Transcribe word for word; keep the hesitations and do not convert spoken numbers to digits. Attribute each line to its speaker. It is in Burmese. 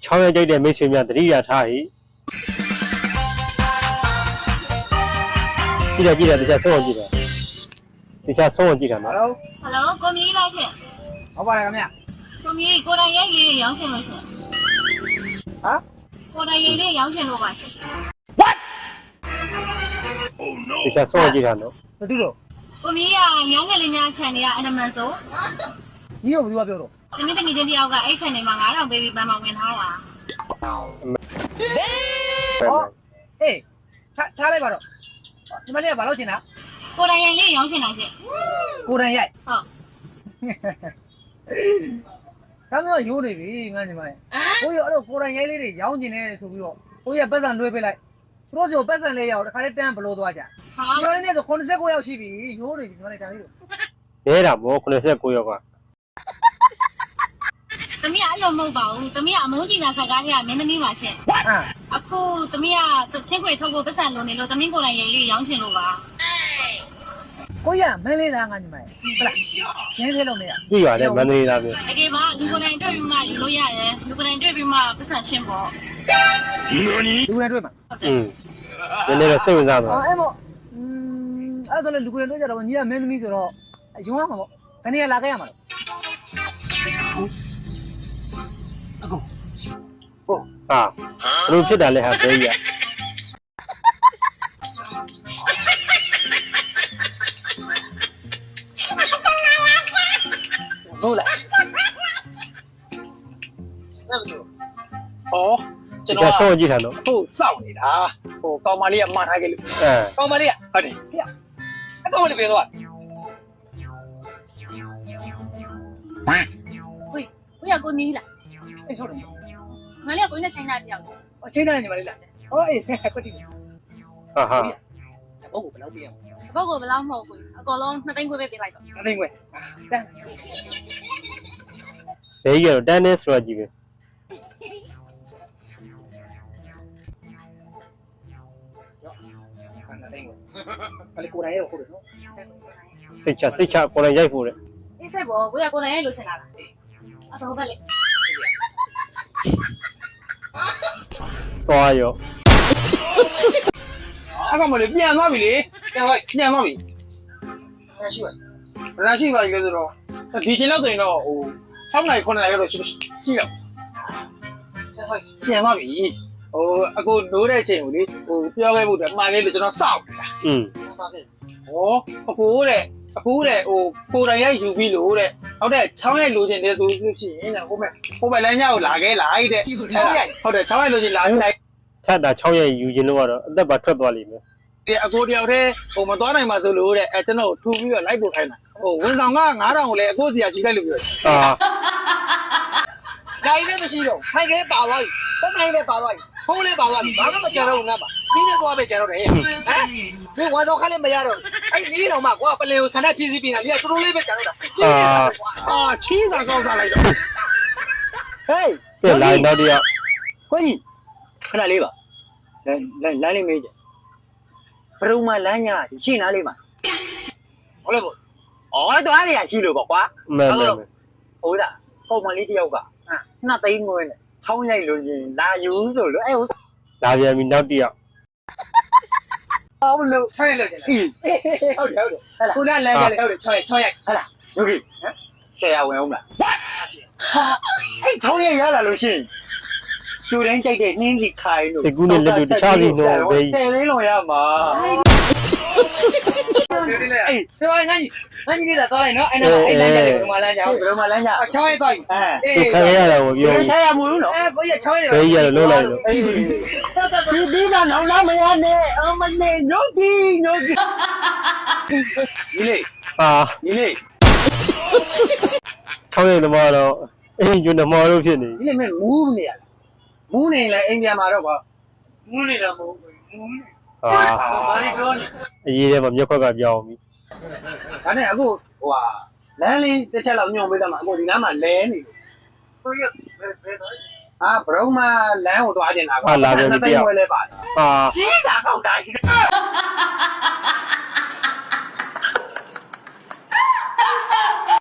Speaker 1: ချောင်းရကြိုက်တဲ့မိတ်ဆွေများတတိယထားဟိကြည့်တယ်ကြည့်တယ်တခြားဆုံးအောင်ကြည့်တယ်တခြားဆုံးအောင်ကြည့်တာနော်
Speaker 2: ဟယ်လိုဟယ်လိုကိုမီးလားရှင်ဟုတ်ပါတယ်ခင်ဗျကိုမီးကိုတိုင်ရိုက်လေးရောင်းချင်လို့ရှင်ဟမ်ကိုတိုင်ရိုက်လေးရောင်းချင်လို့ပါရှင် What
Speaker 1: Oh no တခြားဆုံးအောင်ကြည့်တာနော်
Speaker 2: မသိလို့ကိုမီးကညောင်းငယ်လေးများ channel ကအနမန်ဆိုဒီကိုဘယ်သူကပြောတော့တမီးတငယ်ချင်းတယောက်ကအဲ့ channel မှာ9000ပေးပြီးပန်းမောင်ဝင်ထားတာဟောအေးထားထားလိုက်ပါတော့ဒီမလေးကဘာလို့ချင်တာကိုတိုင်ရိုက်လေးရောင်းချင်တာရှင်ကိုတိုင်ရိုက်ဟုတ်ဒါမျိုးရိုးနေပြီငါညီမလေးကိုရအဲ့တော့ကိုတိုင်ရိုက်လေးတွေရောင်းချင်တယ်ဆိုပြီးတော့ကိုရပတ်စံလွှဲပေးလိုက်သူတို့စီကိုပတ်စံလေးရောက်တခါလေးတန်းဘလို့သွားကြဒီမလေးနဲ့ဆိုခုနှစ်ဆယ့်ကိုရောက်ရှိပြီရိုးနေပြီညီမလေးတန်းလေးတို့
Speaker 1: နဲတာဗောခုနှစ်ဆယ့်ကိုရောက်က
Speaker 2: သမီးအဲ့လိုမဟုတ်ပါဘူးသမီးကအမုန်းကြီးနာဆက်ကားထဲကမင်းသမီးပါရှင်အခုသမီးကချင်းခွေထုတ်ဖို့ပတ်စံလုံးနေလို့သမီးကိုယ်တိုင်ရိုက်လေးရောင်းချင်လို့ပါကိုရမင်းလေးသားငါညီမလေးဟုတ်လားချင်းသေးလို့မရ
Speaker 1: ပြီပါတယ်မန္တလေးသားမျိုး
Speaker 2: တကယ်ပါလူကိုယ်တိုင်တွေ့ပြီးမှယူလို့ရတယ်လူကိုယ်တိုင်တွေ့ပြီးမှပတ်စံရှင်းပေါ့လူကိုယ်တိုင်တွေ့မှာ
Speaker 1: อืมနည်းနည်းတော့စိတ်ဝင်စားတော့
Speaker 2: အဲ့မို့อืมအဲ့ဒါလည်းလူကိုယ်တိုင်တွေ့ကြတော့ညီကမင်းသမီးဆိုတော့ယုံရမှာပေါ့ဘယ်နေရာလာခဲ့ရမှာလဲ
Speaker 1: အခုဟုတ်ဟာဘလို့ဖြစ်တာလဲဟာဘဲကြီးอ่ะ
Speaker 2: ဟုတ်လား
Speaker 3: 哦，
Speaker 1: 这个稍微记下喽。
Speaker 3: 好少你啦，哦，高玛丽骂他给你，
Speaker 1: 哎，
Speaker 2: 高玛丽，
Speaker 3: 好的，
Speaker 2: 呀，那高玛丽别多。喂，我要过你了。哎，说什么？玛丽要过你的亲戚了。我亲戚你玛丽了。哦，哎，快点。
Speaker 1: 哈哈。
Speaker 3: 我不老变。
Speaker 2: 不过不老好贵，个龙那等贵别别来着。
Speaker 3: 那等贵。等。
Speaker 1: ဘဲကြီးကတော့တန်းနေဆိုတော့ကြည့်ပဲ
Speaker 3: အဲ့ကိုယ်တိုင်ရောဟုတ်တယ်နော်
Speaker 1: စိတ်ချစိတ်ချကိုယ်တိုင်ရိုက်ဖို့တဲ့
Speaker 2: အေးဆက်ပေါ်ကိုရကိုယ်တိုင်ရိုက်လို့ချင်တာလားအဲ့ဒါဟုတ်ပါလေ
Speaker 1: သွားရော
Speaker 3: အကောင်မလေးပြန်သွားပြီလေပြန်သွားပြန်သွားပြီရရှိပါရရှိပါလေဆိုတော့ဒီချိန်လောက်ဆိုရင်တော့ဟို၆နိုင်9နိုင်ရောက်တော့ရှိတော့ပြန်သွားပြီဟိုအခုနိုးတဲ့အချိန်ကိုလေဟိုပြောခဲ့ဖို့တည်းမှားခဲ့လို့ကျွန်တော်စောက်နေတာ
Speaker 1: อืม
Speaker 3: ဟောအခုတဲ့အခုတဲ့ဟိုကိုယ်တိုင်ရိုက်ယူပြီးလို့တဲ့ဟုတ်တဲ့ချောင်းရိုက်လိုချင်တယ်ဆိုလို့ရှိရင်တဲ့ဟိုမဲ့ဟိုမဲ့လမ်းညကိုလာခဲ့လိုက်တဲ့ချောင်းရိုက်ဟုတ်တယ်ချောင်းရိုက်လိုချင်လာလိုက်
Speaker 1: ချတ်တာချောင်းရိုက်ယူခြင်းလို့ကတော့အသက်ပါထွက်သွားလိမ့်မယ်
Speaker 3: ဒီအကိုတယောက်တည်းဟိုမသွားနိုင်ပါဆိုလို့တဲ့အဲကျွန်တော်ထူပြီးတော့လိုက်ပို့ခိုင်းတာဟိုဝန်ဆောင်ကငါးထောင်ကိုလည်းအကိုစီကကြီးလိုက်လို့ပြော
Speaker 1: အာ
Speaker 2: နိုင်လည်းမရှိတော့ခိုင်ခဲပါသွားပြီသက်ဆိုင်လည်းပါသွားပြီဖုံးလည်းပါသွားပြီဘာမှမကြံတော့ဘူးငါပါဒီနေ့သွားပဲကြံတော့တယ်ဟမ်ဒီဝါဆောင်ခါလည်းမရတော့အဲ့ဒီတော့မှကွာပလင်ကိုဆန္ဒဖြည့်စည်းပြီးတာဒီကတူတူလေးပဲကြံတော့တာ
Speaker 1: အာ
Speaker 3: အာချီးတာကောက်စားလိုက်တော့ဟေး
Speaker 1: ပြန်လာနောက်တယောက်
Speaker 3: ခွကြီးခဏလေးပါလမ်းလမ်းလမ်းလေးမေးကြဘရုံမလမ်းညာရှင်းနားလေးပါဟုတ်လေပေါ့ဩတော့အဲ့ဒါရှိလို့ပေါ့ကွာ
Speaker 1: မှန်မှန်
Speaker 3: ဟုတ်လားပုံမှန်လေးတယောက်ကနှစ်သိန်းငွေနဲ့ချောင်းရိုက်လို့ရင်လာယူဆိုလို့အဲ့
Speaker 1: လာပြန်ပြီနောက်တယောက်
Speaker 3: ဟုတ်လို့ထိုင်လို့ကျလားဟုတ်တယ်ဟုတ်တယ်ဟဲ့လားခုနလမ်းကလည်းဟုတ်တယ်ချောင်းရိုက်ချောင်းရိုက်ဟဲ့လားယုတ်ကြီးဟမ်ဆရာဝင်အောင်လားအဲ့ချောင်းရိုက်ရလာလို့ရှိရင်သူတိုင်းကြိုက်တဲ့နှင်းစီခိုင်းလို့
Speaker 1: စကူနဲ့လက်တို့တခြားစီတော့ပဲ
Speaker 3: ဆယ်လေးလုံးရမှာဆယ်လေးလေးအေးပြောရင်ငါကြီးငါကြီးလေးသာသွားရင်နော်အဲ့တော့အဲ့လမ်းကြတယ်ဘယ်မှာလမ်းကြဘယ်မှာလမ်းကြချောင်းရိုက်သွားပြီ
Speaker 1: အေးခရရတာကိုပြော
Speaker 3: ဆရာမလို့နော်အဲဘယ်ရချောင်းရိုက်
Speaker 1: ဘယ်ရလို့လိုက်လို့
Speaker 3: ဒီဒီကနောင်လာမရနဲ့အမလေးညို့ဒီညို့ဒီဒီလေ
Speaker 1: ဟာ
Speaker 3: ဒီလေ
Speaker 1: ချောင်းရိုက်သမားတော့အေးညွန်းသမားတို့ဖြစ်နေ
Speaker 3: ဒီလေမင်းမူးနေရမူးနေလဲအိမ်ပြန်มาတော့ကွာမူးနေတော့မဟုတ်ဘူးမူးနေ
Speaker 1: ဟာ
Speaker 3: ဘာလို့ပြောနေ
Speaker 1: အရေးထဲမှာမြက်ခွက်ကပြောင်းပြီ
Speaker 3: ဒါနဲ့အခုဟိုဟာလမ်းလေးတစ်ချက်လောက်ညွှန်ပေးတော့မှအခုဒီနားမှာလဲနေဘယ်ဘယ်ဘယ်အာဘရုံမလမ်းကိုသွားတင်တာကွာ
Speaker 1: ဟာလာပြန်ပြီတယောက်
Speaker 3: လဲပါတယ်
Speaker 1: ဟာ
Speaker 3: ကြီးတာကောက်တာကြီး